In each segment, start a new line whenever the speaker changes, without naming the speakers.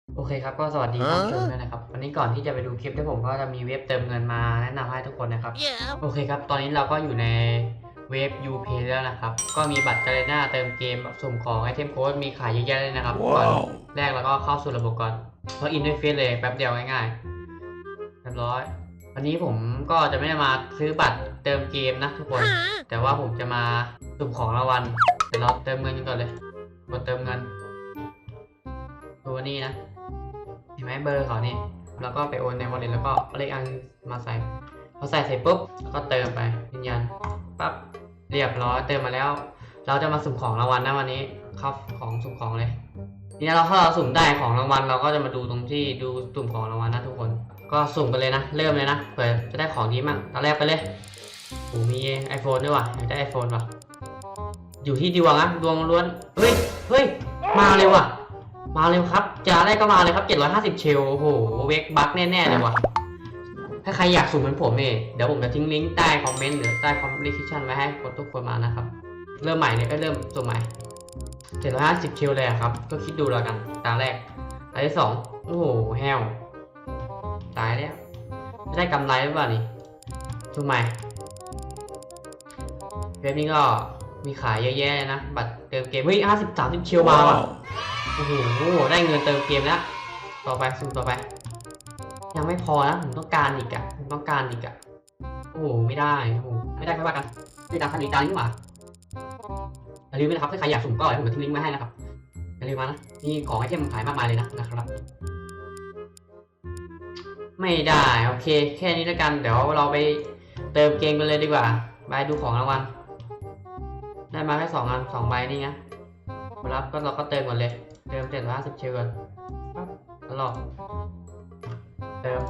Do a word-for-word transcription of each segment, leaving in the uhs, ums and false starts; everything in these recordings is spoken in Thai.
โอเคครับก็สวัสดีท่านผู้ชมด้วยนะครับวันนี้ก่อนที่จะไปดูคลิปที่ผมก็จะมีเว็บเติมเงินมาแนะนำให้ทุกคนนะครับ
Yeah.
โอเคครับตอนนี้เราก็อยู่ในเว็บ ยูเพย์ แล้วนะครับก็มีบัตรกาเลน่าเติมเกมสุ่มของไอเทมโค้ดมีขายเยอะแยะเลยนะครับก่อน
ว้าว
แรกเราก็เข้าสู่ระบบก่อนเพราะอินด้วยเฟซเลยแป๊บเดียวง่ายๆเรียบร้อยวันนี้ผมก็จะไม่ได้มาซื้อบัตรเติมเกมนะทุกคน แต่ว่าผมจะมาสุ่มของรางวัลเดี๋ยวเราเติมเงินกันก่อนเลยกดเติมเงินตัวนี้นะเห็นไหมเบอร์เขานี่แล้วก็ไปโอนใน wallet แล้วก็เอาเลขอันมาใส่พอใส่เสร็จปุ๊บแล้วก็เติมไปยืนยันปั๊บเรียบร้อยเติมมาแล้ว เราจะมาสุ่มของรางวัลนะวันนี้เข้าของสุ่มของเลยทีนี้เราถ้าเราสุ่มได้ของรางวัลเราก็จะมาดูตรงที่ดูสุ่มของรางวัลนะทุกคนก็สุ่มกันเลยนะเริ่มเลยนะเผื่อจะได้ของดีมั่งตอนแรกไปเลยโอ้มี iPhone ด้วยว่ะอยากได้ iPhone ว่ะอยู่ที่ดวงนะดวงล้วนเฮ้ยเฮ้ยมาเร็วว่ะมาเร็วครับจะอะไรก็มาเลยครับเจ็ดร้อยห้าสิบเชลโอ้โหเวกบัคแน่ๆเลยว่ะถ้าใครอยากสุ่มเหมือนผมเนี่ยเดี๋ยวผมจะทิ้งลิงก์ใต้คอมเมนต์หรือใต้คอมเมนต์ดิสคริปชั่นไว้ให้คนทุกคนมานะครับเริ่มใหม่เนี่ยก็เริ่มสุ่มใหม่เจ็ดร้อยห้าสิบเชลเลยอะครับก็คิดดูแล้วกันตาแรกตาที่สองโอ้โหแฮวตายแล้วไม่ได้กำไรหรือเปล่านี่สุ่มใหม่เว็บนี้ก็มีขายเยอะแยะเลยนะบัตรเติมเกมเฮ้ยห้าสิบสามสิบเชลมาว่ะโอ้โหได้เงินเติมเกมแล้วต่อไปสุ่มต่อไปยังไม่พอนะผมต้องการอีกอะผมต้องการอีกอะโอ้โหไม่ได้โอ้โหไม่ได้ไม่ว่ากันไม่ตามคันอีกตามนี้หว่าอย่าลืมนะครับถ้าใครอยากสุ่มก็เดี๋ยวผมจะทิ้งลิงก์ไว้ให้นะครับอย่าลืมมานะมีของไอเทมขายมากมายเลยนะนะครับไม่ได้โอเคแค่นี้แล้วกันเดี๋ยวเราไปเติมเกมกันเลยดีกว่าไปดูของรางวัลได้มาแค่สองอันสองใบนี่นะรับก็เราก็เติมก่อนเลยเติมเจ็ดร้อยห้าสิบเชลก่อนปั๊บตลอดเติม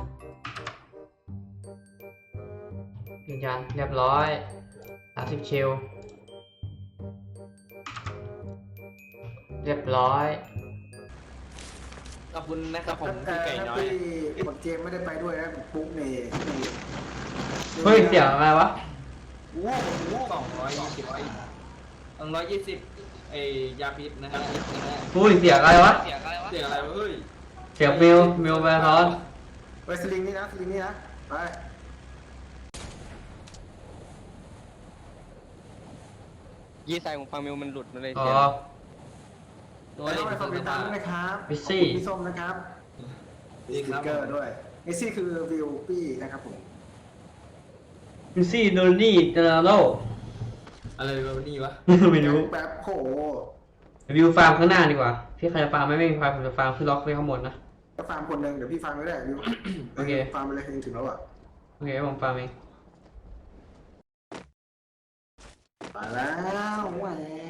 ยืนยันเรียบร้อยสามสิบเชลเรียบร้อย
ขอบคุณนะครับผมพี่ไก่น้อย
พี่กดเจมไม่ได้ไปด้วยนะปุ๊กนี่
เฮ้ยเสียงอะไรวะ
โอ้โหสองร้อยยี่สิบไอ้สองร้อยยี่สิบไอ้ยาพิษนะฮะ
อุ้ยเสียงอะไรวะ
เสียงอะไรวะเสียงอะไรวะเฮ้ย
เสียงมิวมิวแบทอน
ไปสลิงนี่นะสลิงนี่นะไป
ยี่สายของฟังมิวมันหลุดมาเลย
อ๋อ
เสีย
ตัว
ไป
เด็
ต้อก งไปฟังเป็นตังนะครับ
พิซซี่
พี่ส้มนะครับมีสติ๊กเกอร์ด้วยไอซี่คือวิวปี้นะครับผม
พิซซี่โดนนี่เจนาโร่
อะไรวะนี่วะ
ไม่รู้
แบบโห
วิวฟาร์มข้างหน้าดีกว่าพี่ใครจะฟาร์มไม่ไม่มีฟาร์มผมจะฟาร์มขึ้นล็อกไว้ข้างบนนะ
ก็ฟาร์มคนหนึ่งเดี๋ยวพี่ฟาร์มไม่ได้วิว
โอเค
ฟาร์มไปเลยถึงแล้วอ่ะ
โอเคผมฟาร์มเอง
มาแล้วแหวน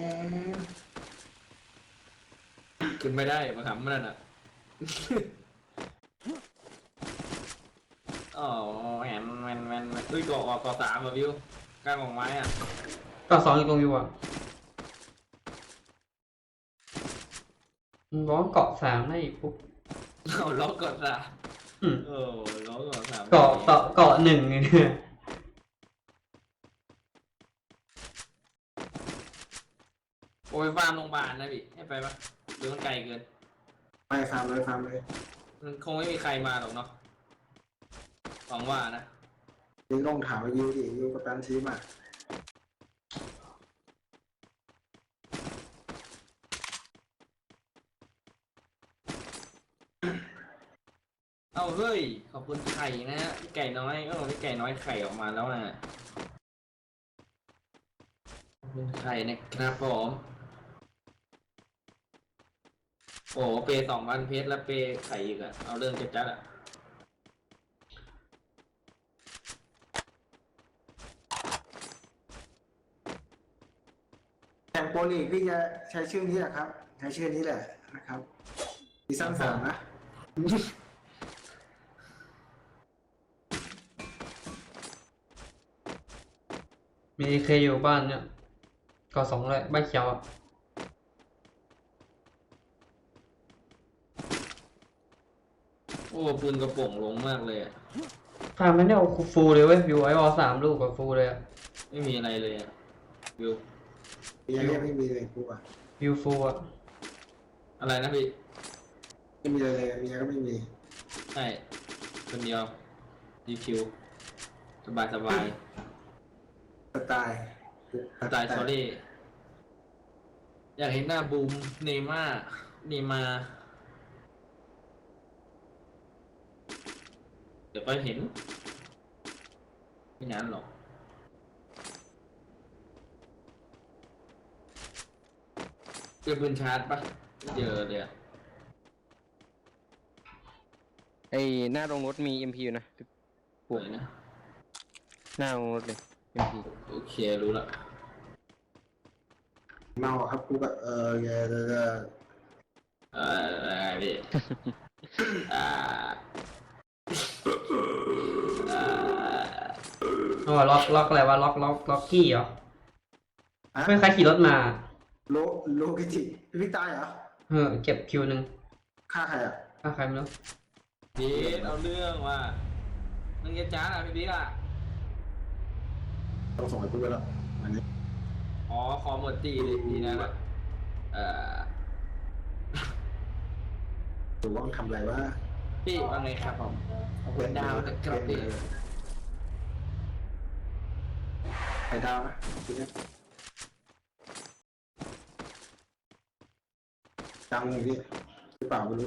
ขึ้นไม่ได้มาขำมันน่ะอ๋อแหนแมนแมนแมนด้วยก่อก่อสามอ่ะวิวกลางของไม้อ่ะ
ก็สองอยู่ตรงวิวอ่ะร้องเกาะสามได้อีกปุ๊บ
เอาล็อกก่อนสาม
อืม
โอ้ล็อกก่อนสาม
เกาะเกาะเกาะหนึ่งเนี่ย
โอ้ยฟาร์มโรงพยาบาลนะพี่ให้ไปปะหรือมันไกลเกิน
ไปฟาร์มเลยฟาร์มเลย
มันคงไม่มีใครมาหรอกเนาะหวังว่านะ
ยิงลงถามไปยิวดิยิวกับแปนทีมอ่ะ
เอาเฮ้ยขอบคุณไข่นะฮะพี่ไก่น้อยเออพี่ไก่น้อยไข่ออกมาแล้วนะขอบคุณไข่นะครับผมโอ้เปสองพันเพชรแล้วเปไข่อีกอะเอาเรื่องจัดๆอะ
แข่งโปรลีกพี่จะใช้ชื่อนี้แหละครับ ใช้ชื่อนี้แหละนะครับซีซั่นสามนะ
มีเคอยู่บ้านเนี่ยเกาะสองเลยบ้านเขียวอ่ะ
โอ้ปืนกระป๋องลงมากเลยอะ
ฟาร์มไม่ได้เอาฟูลเลยเว้ยวิวไอวอลสามลูกกับฟูลเลยอ่ะ
ไม่มีอะไรเลยอะวิว
ยังเรียกไม่มีเลยกูอ่ะ
วิวฟูลอ่ะ
อะไรนะพี่
ไม่มีอะไรเลยเมียก็ไม่มี
ใช่คนเดียวดีคิวสบายสบาย
สไตล์
สไตล์สอรี่อยากเห็นหน้าบูมเนม่าเนมาเดี๋ยวก็เห็นไม่นานหรอกเจอปืนชาร์จปะไม่เจอเลยอะ
ไอหน้าโรงรถมี เอ็ม พี อยู่นะ
สวยนะ
หน้าโรงรถเลย เอ็ม พี
โอเครู้ละ
เมาครับกูแบบเออแกจะ
เอ่ออะไรพี่ อ่าอ่า
อ๋อล็อกล็อกอะไรวะล็อกล็อกล็อกกี้เหรอ
ฮะ
ไม่ใครขี่รถมา
โลโลกิจิพี่พิกตายเหรอ
เออเก็บคิวหนึ่ง
ฆ่าใครอ่ะ
ถ้าใครไม่รู้
พี่เอาเรื่องว่ามึงจะจ้าอ่ะพี่บิ๊กอ่ะ
ต้องส่งให้กูไปแล้วอันนี้
อ๋อคอหมดตีเลยทีนั้นอ่ะเอ่อ
ดูว่ามันทำอะไรวะ
พี่ว่าไงครับผมขอบคุณดาวนะครับพี่
ไข่ดาวนะทีนี้ดังอย่างนี้หรือเปล่าไม่รู้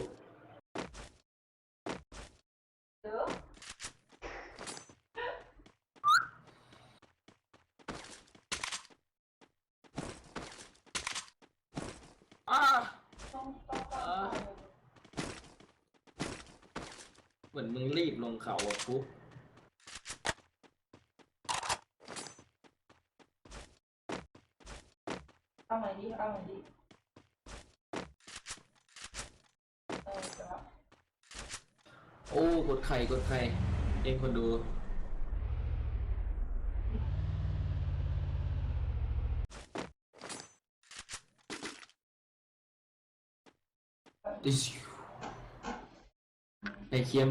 อ่าอ่าเหมือนมึงรีบลงเขาอ่ะปุ๊บ
เอาใหม่ดิเอาใหม่ดิเออจะละ
โอ้กดไข่กดไข่เองคนดูดิชไข่เค็ม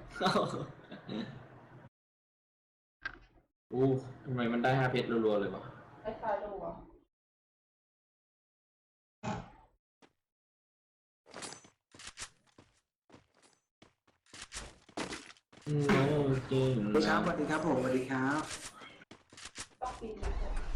อู้ทำไมมันได้ห้าเพชรรัวๆเลยวะ
ไอ้คายดูอ่ะ
อืมโอเค
สวัสดีครับสวัสดีครับผมสวัสดีครับ
ต้องปีนเลย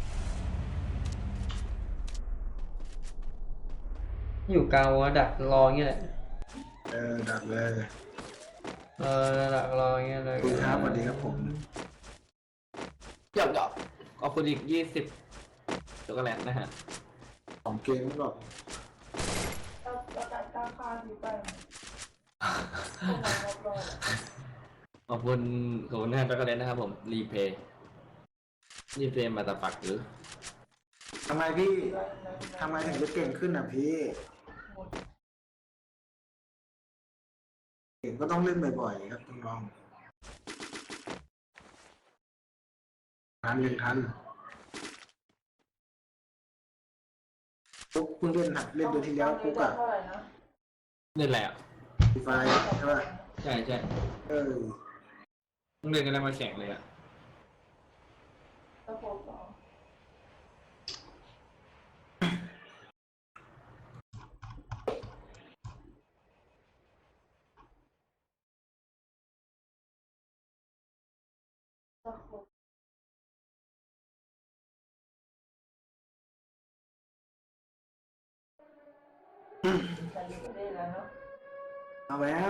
อยู่กลางวงดักรออย่างเงี้ยแหละ
เออดักเลย
เออดักรออย่างเงี้ยเลย
สวัสดีครับสวัสดีครับผม
หยอกหยอกขอบคุณอีกยี่สิบช็อกโกแลตนะฮะ
ของเกมหรอก
เราเราการตั้งค่าอยู่ไปต้องมารอบรอบ
ขอบคุณขอบคุณนะช็อกโกแลตนะครับผมรีเพย์รีเพย์มาตาปักหรือ
ทำไมพี่ทำไมถึงจะเก่งขึ้นอ่ะพี่เก่งก็ต้องเล่นบ่อยๆครับน้องๆทันหนึ่งทันปุ๊กเพิ่งเล่นหัดเล่นเดือนที่แล้วปุ๊กอะ
เท่าไหร่นะ
นี่แหละ
ไฟใช่ป่ะ
ใช่ใช่
เออ
ต้องเล่นกันแล้วมาแข่งเลยอ่ะ
ตะโพกสองตะโพกใส่อยู่ได้แล้วเนาะ
เอาแล้ว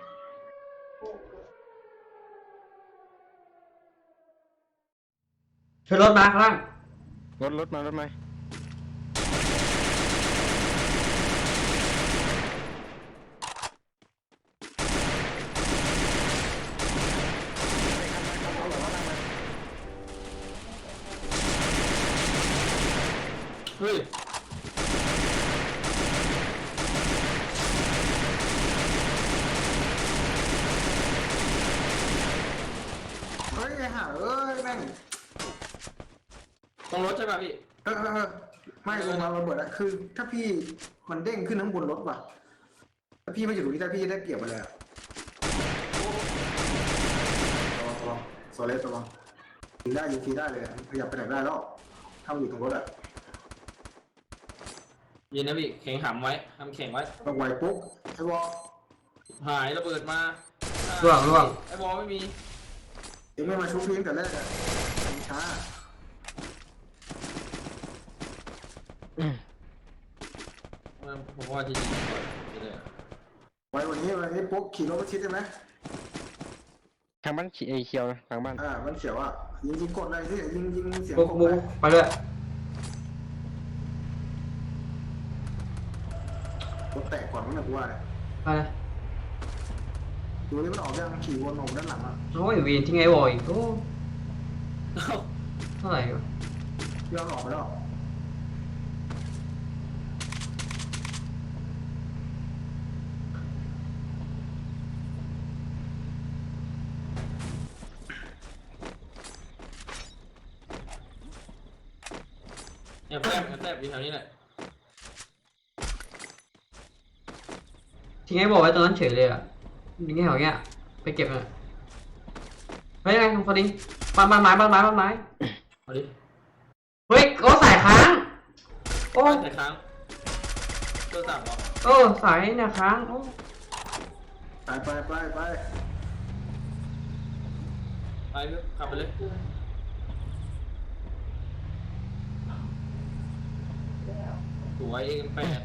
ช่วยรถมาข้างล่าง
รถรถมารถมา
เฮ้ย
เฮ้ยไอ้ห่าเอ้ยแม่ง
ต้องรถใช่ป่ะพี่
เออเออเออไม่ลงมาระเบิดอะคือ ถ้าพี่มันเด้งขึ้นทั้งบนรถว่ะถ้าพี่ไม่อยู่ตรงนี้ถ้าพี่ได้เกียบไปเลยอะระวังระวังโซเลสระวังยิงได้ยิงฟรีได้เลยอะขยับไปไหนได้แล้วถ้ามันอยู่ตรงรถอะ
ยินนะพี่แข่งหำไว้ทำแข่งไว้
ต้องไวปุ๊บไอ้วอล
หายระเบิดมา
ร่วงร่วง
ไอ้บอลไม่มี
เองไม่มาชุบเพียงแต่แรกอะช้า
ผมว่าจะยิงก่อนเลย
ไว้วันนี้วันนี้ปุ๊บขี่รถมาชิดใช่ไหม
ทางบ้านเขีไอเขียวนะทางบ้าน
อ่ามันเขียวอ่ะยิงยิงกดเลยที่ยิงยิงเสียง
บุ๊ก
กด
บุ๊
ไป
กไปด้วย
รถแตกก่อนมันนะกูว่า
ไปเลย
ดูนี่มันออกยังขี่วนออกด้านหลังอ่ะ
โอ้ยวีนทิ้งไอ้วอยอีกโอ้
เอ้า
เท่าไหร่วะ
ย้อนออกไปแล้ว
เนี่ยแทบแทบอยู่แถวนี้แหละ
ทิ้งไอ้วอยไว้ตรงนั้นเฉยเลยอ่ะทิ้งไอ้แถวเงี้ยไปเก็บอ่ะเฮ้ยยังไงคุณฟอดิงบ้านบ้านไม้บ้านไม้บ้านไม้
เอาดิ
เฮ้ยโอ้สายค้างโอ้
ใส่ค้างตัวสั่งเหรอ
เออสายเนี่ยค้างโอ้
ไปไปไปไป
ไปขับไปเลย
แล้ว
สวยเอ็มแปด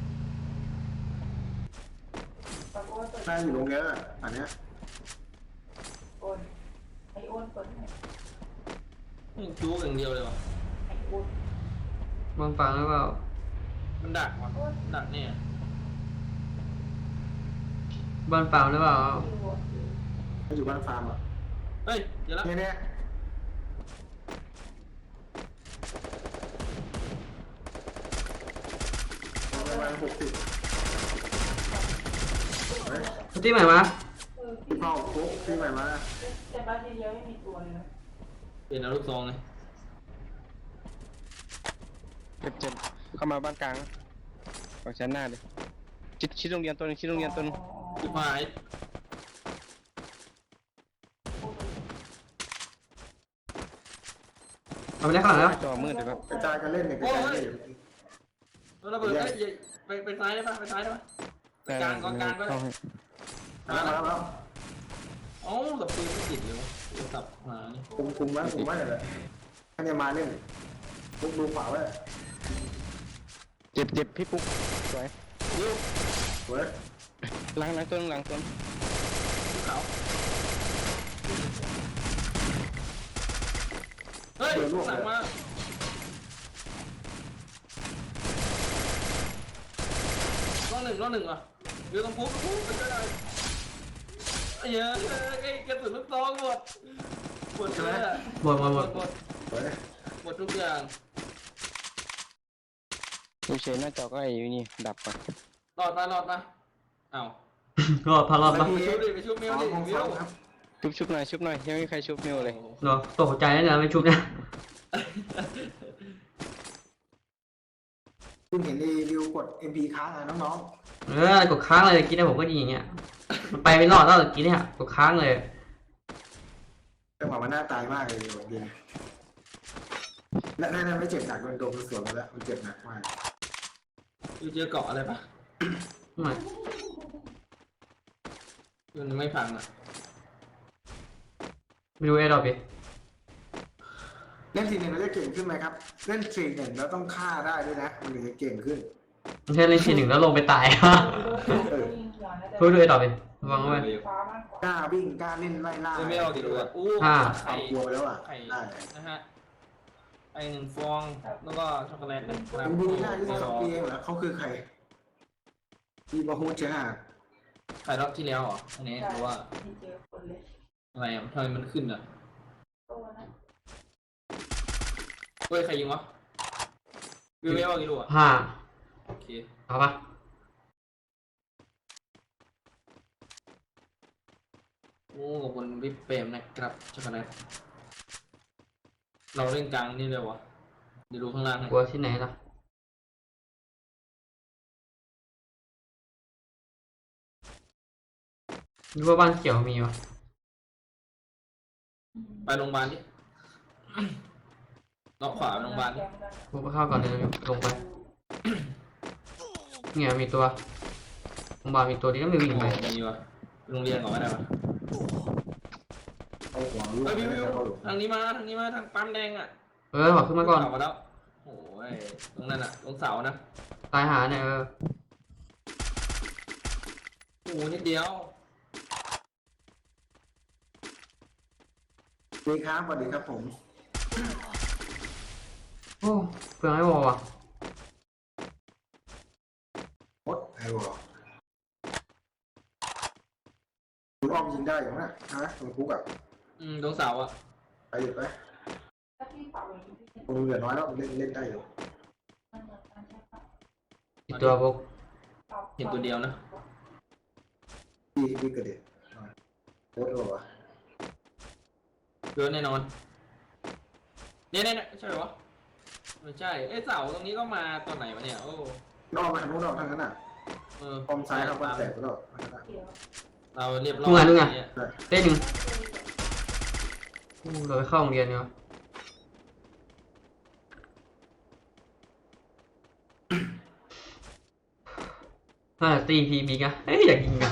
ปรากฏว่าเปิด
น่าอยู่โรงเรียนอ่ะอันเนี้ย
โอนไอโอนเปิดให้
จู๊อย่างเดียวเลยวะ
ไอโอน
บางฟังหรือเปล่า
มันดักวะดักเนี่ย
บ้านเปล่าหรือเปล่า
คือโอน
มันอยู่บ้านฟาร์มอ่ะ
เฮ้ยเดี๋ยวละ
เนี่ยเนี่ยประมาณหกสิบเฮ้ย
สตีใหม่มา
เออ
พี่เป้าปุ๊บพี่ใหม่มา
แต่บ้านเดียวไม่มีตัวเลยนะ
เป็นอาลูกซองไง
เจ็บเจ็บเข้ามาบ้านกลางฝั่งชั้นหน้าเลยชิดชิดโรงเรียนตัวหนึงชิดโรงเรียนตัวหนึง
ชิบหาย
เอาไปได้ข้างหลังแล้ว
จอมืดเลยครับ
กระจายกันเล่นเนี่ยกระจายกันเล่น
แล้วระเบิดเอ้ยไปไปซ้ายได้ปะไปซ้ายได้ปะไปกลางกองกลางก็ได้
เข้าให้
มาแล้วมาแล้ว
เอ้าแต่ปืนไม่ติดเลยวะสับหานี่
คุมคุมไว้คุมไว้เลยอันนี้มาเล่นปุ๊บดูขวาไว้
เจ็บเจ็บพี่ปุ๊กสวย
ยิ้ว
เว้ย
หลังหลังตัวหนึงหลังตัวหนึง
ขาวเฮ้ยสั่งมาล้อหนึ่งล้อหนึ่งอ่ะเดี๋ยวต้องพุ๊บพุ๊บไปก็ได้เยอะไอ้กระสุนลูกซองหมดหมดเลยอ่ะ
หมดหมดหมด
หมด
เว้ย
หมดทุกอย่าง
ดูเฉยหน้าจอก็ไอ้นี่ดับไป
รอดมาหลอดมาอ้าว
ก็พารอดปะ
ไปชุบดิไปชุบมิวดิ
ของ
มิ
ฟั
ว
งครับ
ชุบชุบหน่อยชุบหน่อยยังไม่มีใครชุบมิวเลย
เนาะตกใจแล้วเนี่ยไม่ชุบเนี่ย
คุณเห็นรีวิวกด เอ็ม พี ค้างอ่ะน้อง
เออกดค้างเลยกินได้ผมก็ดีอย่างเงี้ยมันไปไม่รอดแล้วกินเนี่ยกดค้างเลย
ๆจังหวะมันน่าตายมากเลยดีและนั่นไม่เจ็บหนักมันโดนสวนมาแล้วมันเจ็บหนักมาก
อยู่เจอเกาะอะไรปะ
ไม่
มันไม่พังอ่ะ
ไม่ดูเอดอบดิ
เล่นทีหนึ่งเราจะเก่งขึ้นไหมครับ เล่นทีหนึ่งเราต้องฆ่าได้ด้วยนะมันถึงจะเก่งขึ้น
ไม่ใช่เล่นทีหนึ่งแล้วลงไปตาย
ยิงหัวนะแต่
ช่วยดูเอดอบดิระวังไว้
ฟ้ามากกว่าก
ล้าวิ่งกล้าเล่นไล่ล่า
ไม่เอาดิรู้อ่ะอู้
อ่า
ไข่
เอากลัวไปแล้วอ่ะ
ไข่
ได้
นะฮะไอหนึ่งฟองแล้วก็ช็อกโกแลตนะครับ
มันดูง่ายที่สุดของปีเองเหรอเขาคือใครมีบาฮูจ้า
ไข่รอบที่แล้วเหรออันนี้หรือว่า
มีเจอคนเลย
อะไรอ่ะทำไมมันขึ้นอ่ะ
ตัวนั้น
เฮ้ยใครยิงวะวิวไม่เอากี่ลูกอ่ะ
ห้า
โอเค
เอาปะ
โอ้ขอบคุณพี่เปรมนะครับช็อกโกแลตเราเล่นกลางนี่เลยวะเดี๋ยวดูข้างล่างให้
กลัวที่ไหนล่ะนี่ว่าบ้านเขียวมีวะ
ไปโรงพยาบาลดิ เลาะขวาไปโรงพยาบาลดิ
พวกเข้าก่อนเลยลงไปเนี่ยมีตัวโรงพยาบาลมีตัวนี้ก็ไม่วิ่งไป
มีวะโรงเรียนก่อนก็ได้ปะ
เอาหัวลูก
เฮ้ยวิว
ไป
วิว
เข้าหลุม
ทางนี้มาทางนี้มาทางปั๊มแดงอ่ะ
เออขอขึ้นมาก่อน
เสามาแล้วโอ้ยตรงนั้นอ่ะตรงเสานะ
ตายหาเนี่ยเออ
โอ้โหนิดเดียว
ดีครับสวัสดีครับผม
โอ้เพื่อนไม่บอกว่ะ
มดไอ้หัวคุณอ้อมยิงได้อยู่นะฮะตรงคุกอ่ะ
อืมตรงเสาอ่ะ
ไปอยู่ไป
ถ้าพี่ปรับอย่างนี้พี่
ผมเหลือน้อยแล้วเล่นเล่นได้อยู่
มันเหมือนกันใช่ปะ
อีกตัวพวก
ปรับ
เห็นตัวเดียวนะ
พี่พี่กระเด็นโคตรหรอวะ
เกินแน่นอนเนี่ยเนี่ยเนี่ยใช่เหรอวะไม่ใช่เอ้ยเสาตรงนี้ก็มาตอนไหนวะเนี่ยโอ้
นอกมาทางนู้นนอกทางนั้นอ่ะ
เออ
คอมซ้ายครับมันแตกไปแล้ว
เดี๋ยว
เราเรียบร้อยเนี่ย
เต้นหนึ่งเราไปเข้าโรงเรียนเนาะน่าจะตีพีบีกันเอ้ยอยากยิงกัน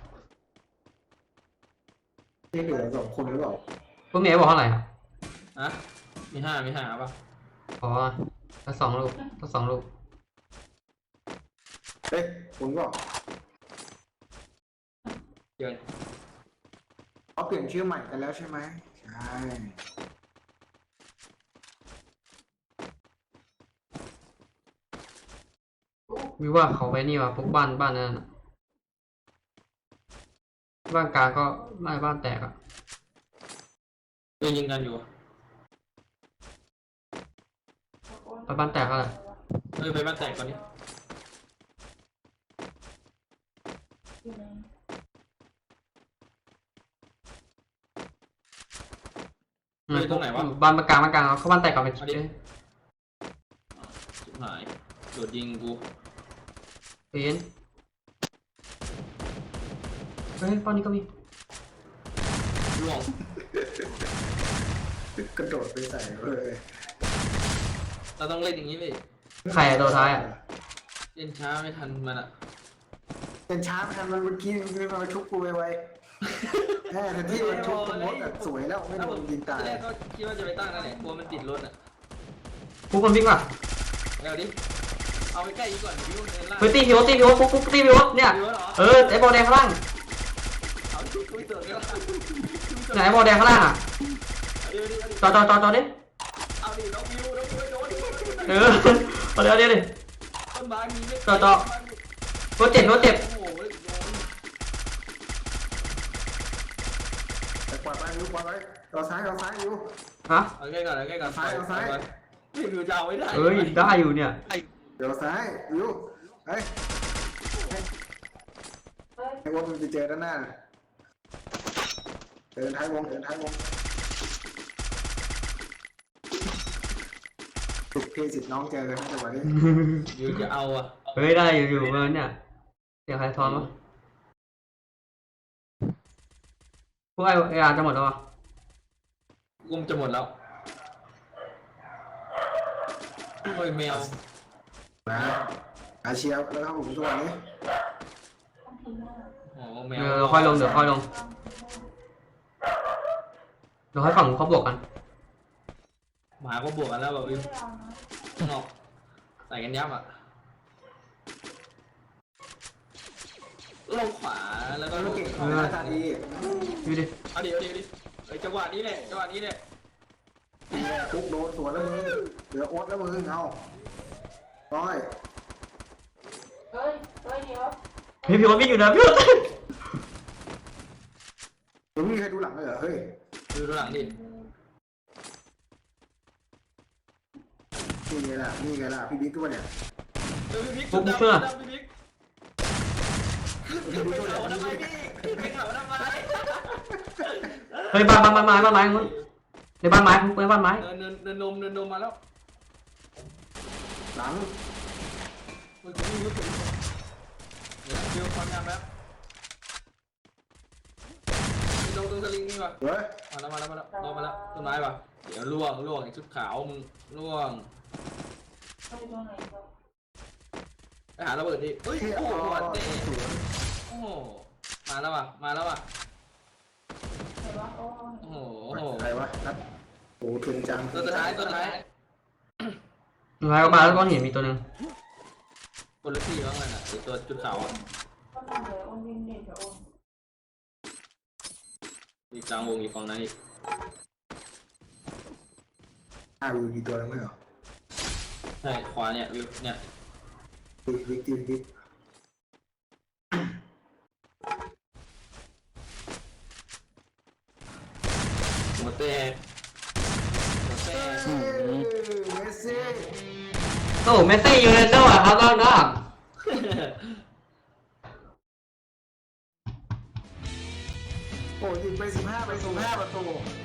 นี่เหลือสองคนหรือเปล่า
พวกนี้บอกเท่าไหร่อ่ะ
อะมีห้ามีห้าป่ะ
อ๋อถ้าสองลูกถ้าสองลูก
เอ๊ะคุณก็
เกิน
เขาเปลี่ยนชื่อใหม่กันแล้วใช่ไหมใช่
วิว่าเขาไปนี่ว่ะพวกบ้านบ้านนั่นน่ะบ้านกลางก็ไม่บ้านแตกอ่ะ
เดินยิงกันอยู่
ไปบ้านแตกอะไร
เฮ้ยไปบ้านแตกก่อนนี้
อยู่ใน
อืมบ้านกลางบ้านกลางเอาเข้าบ้านแตกก่อนไป
ชิบหายโดดยิงกู
เปลี่ยนเฮ้ยป้อนนี้ก็มี
ล่วง
กระโดดไปใส่เลย
เราต้องเล่นอย่างนี้เลย
ใครอะตัวท้ายอะ
เล่นช้าไม่ทันมันอ่ะ
เป็นช้าไปทำมันเมื่อกี้มันมาชุบกูไวๆแหมแต่ที่มันชุบมดอ่ะสวยแล้วไม่โดนยิงตาย
แรกก็คิดว่าจะไปตั้งนั่นแหละกลัวมันติดรถอ่ะ
พวกมันวิ่งว่ะ
เอาดิเอาไปใกล้อีกก่อนวิวเดินล่าง
เฮ้ยตีพิวตีพิวปุ๊บปุ๊บตีพิวเนี่ย
วิวเหรอ
เออไอ้บอลแดงข้างล่าง
เอาดิกูเจอแล้ว
ไหนไอ้บอลแดงข้างล่างอ่ะ
เดี๋ยวดิ
จอจอจอจอดิ
เอาดิน้องวิวน้องวิวโดน
เออเอาเดี๋ยวเดี๋ยวดิ
ต้นไม้มีไม่
ต่อต่อ รถเจ็บรถเจ็บ
โอ้โหโดน
แต่กวาดไปอยู่กวาดไปเราซ้ายเราซ้ายอยู่
ฮะ
เอาใกล้ก่อนเอาใกล้ก่อน
ซ้ายเอาซ้าย
นี่วิวจะเอาไว้ได้
เอ้ยได้อยู่เนี่ย
เดี๋ยวซ้ายอยู่เฮ้ย
เฮ้ย
ไอ้วงมันจะเจอด้านหน้าเดินท้ายวงเดินท้ายวงถูกเพสิทธิ์น้องเจอกันนะจังหวะนี้
วิวจะเอาอ่ะ
เฮ้ยได้อยู่อยู่เออเนี่ยเสียงใครทอนวะพวกไอ้ไอ้อาจะหมดแล้วอ่ะ
กุมจะหมดแล้วโอ้ยแมว
นะอาเชียวแล้วครับผมทุกวันนี้
ต้องทิ้งหน้า
โอ้แม
เดี๋
ว
ยวเราค่อยลงเดี๋ยวค่อยลงเดี๋ยวให้ฝั่งเขาบวกกัน
หมาก็บวกกันแล้วแบบวิว
ไม่เอานะ
ข้างนอกใส่กันยับอ่ะลงขวาแล้วก็
ก็
ลง
เก่งของหน้าตาดี
ดูดิ
เอาดิเอาดิเอาดิไอ้จังหวะนี้แหละจังหวะนี้แหละ
ทุกโดนสวนแล้วมึงเหลือโอ๊ตแล้วมึงเอาร้อย
เฮ้ยเฮ้ยเดี๋ยว
เฮ้ยพี่วันวิ่งอยู่นะพี่วัน
มึงไม่มีใครดูหลังเลยเหรอเฮ้ย
ดูดูหลังดิ
นี่ไงล่ะนี่ไงล่ะพี่บิ๊กตัวเนี่ย
เฮ้ยพี่บิ๊กชุดดำชุดดำพี่บิ๊กขึ้นไปเขาทำไมพี่ขึ้นไปเขาทำไม
เฮ้ยบ้านบ้านบ้านไม้บ้านไม้มึงในบ้านไม้มึงในบ้านไม้
เนินเนินเนินนมเนินนมมาแล้ว
หลัง
เฮ้ยผมรู้สึกเดี๋ยวฟิวความงามแล้วตรงตรงสลิงนี่ป่ะ
เฮ้ย
มาแล้วมาแล้วมาแล้วลงมาแล้วต้นไม้ป่ะเดี๋ยวล่วงล่วงไอ้ชุดขาวมึงล่วง
เฮ้ยตรงไหนก็
ไปหาระเบิดดิเฮ้ย
เที่ย
โอ้โห
ว
เตะ
สวน
โหมาแล้วว่ะมาแล้วว่ะ
เห็นปะโอ้
โอ้โหโอ้โห
ใครวะนัดโอ้ทุนจัง
ตัวสุดท้ายตัวสุดท้าย
สุดท้ายก็มาแล้วก้อนหินมีตัวหนึง
คนละที่บ้างเลยน่ะไอ้ตัวจุดขาวอ่ะ
ก็ทำเลยโอนยิงเด็กกับโอน
มีกลางวงอีกฝั่งนั้นอีก
อ่าวิวกี่ตัวแล้วไม่เหรอ
ใช่ขวาเนี่ยวิวเนี่ย
วิกวิกวิกวิก
หัวแตกหัวแตก
เอ้ยเมสซี่
โอ้เมสซี่ยูเรนโดอะครับน้อง
โอ้ยิงไปสิบห้าไปสิบห้าประตู